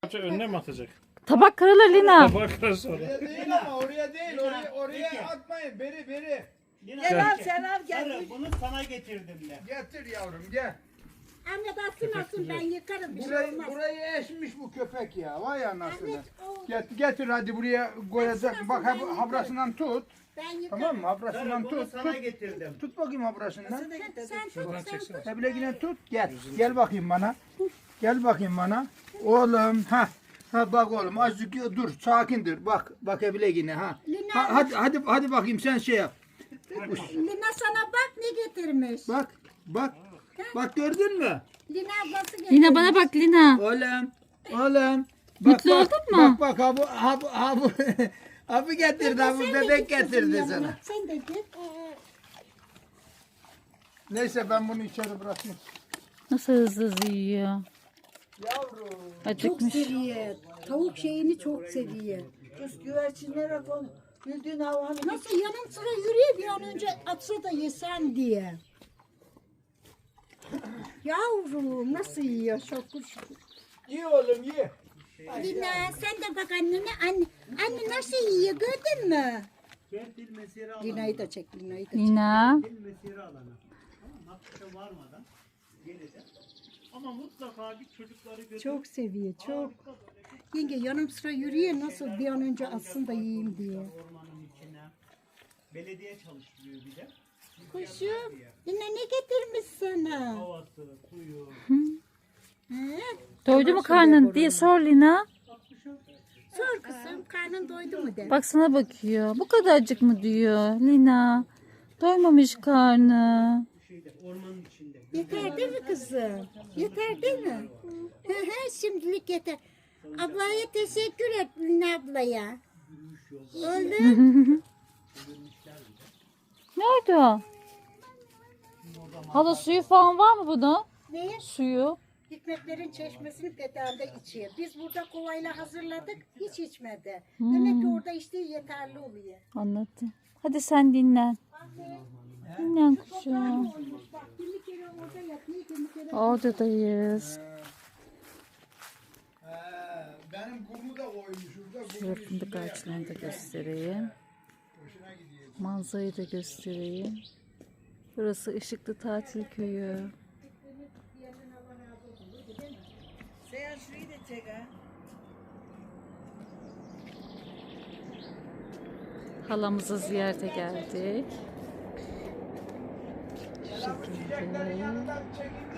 yapacak? Önüne mi atacak? Tabak kırılır Lina. Bakar sonra. Oraya değil ama oraya değil. Oraya atmayın. Beri. Gel al sen al gel. Sarı, bunu sana getirdim de. Getir yavrum gel. Ahmet atsın ben yıkarım bir şey olmaz. Burayı eşmiş bu köpek ya. Vay anasını. Ahmet, o- Getir hadi buraya koyacak. Bak habrasından tut. Ben yıkarım. Tamam mı? Habrasından Sarı, bunu tut. sana getirdim. Tut bakayım habrasından. Sen tut. Hebile yine tut. Gel bakayım bana. Gel bakayım bana. Oğlum ha. Ha bak oğlum azıcık dur sakindir. Bak Hebile yine ha. Lina- Hadi bakayım sen şey yap. Lina sana bak ne getirmiş. Bak gördün mü? Lina ablası getirmiş. Lina bana bak Lina. Oğlum. Mutlu oldun mu? Bak abi getirdi abi Sen de bebek git kızım getirdi yanına. sana. Sen de git. Neyse ben bunu içeri bırakayım. Nasıl hızlı yiyor. Yavrum. Çok Acıkmış. seviyor. Tavuk şeyini çok seviyor. Kız güvercinlere konu. Bildiğin havanı Nasıl yanım sıra yürüyor bir an önce atsa da yesen diye. Yavrum nasıl yiyor şokur şokur. Ye oğlum ye. Lina sen de bak annene. Anne nasıl yiyor gördün mü? Gel dil mesire alanı. Lina'yı da çek Lina'yı da çek. Lina. Dil mesire alanı. Tamam, Hakkı'ya varmadan geleceğim. Ama mutlaka bir çocukları götür. Çok seviyor çok. Yenge yanım sıra yürüyor nasıl bir an önce atsın da yiyeyim diye. Ormanın içine. Belediye çalıştırıyor bir de. Kuşum Lina ne getirmiş sana? Havası, suyu. He? Doydu mu karnın diye sor Lina. Sor kızım karnın doydu mu de. Bak sana bakıyor. Bu kadarcık mı diyor Lina. Doymamış karnı. Ormanın içinde. Yeter değil mi kızım? Yeter değil mi? Hı hı, şimdilik yeter. Ablaya teşekkür et Lina ablaya. Oldu. Nerede o? Hala suyu falan var mı bunun? Ne? Suyu. Hikmetlerin çeşmesini pedalda içiyor. Biz burada kovayla hazırladık, hiç içmedi. Demek ki orada içtiği yeterli oluyor. Anladım. Hadi sen dinlen. Dinlen kuşum. Olmuş bak, kimi kere orada yatıyor, kimi kere... Oradayız. Benim kumu da koymuş şurada. Şöyle fındık ağaçlarını da göstereyim. Manzarayı da göstereyim. Burası Işıklı Tatil Köyü. Sen şurayı da çek ha. Halamızı ziyarete geldik. Şu şekilde. Çiçeklerin yanından çekin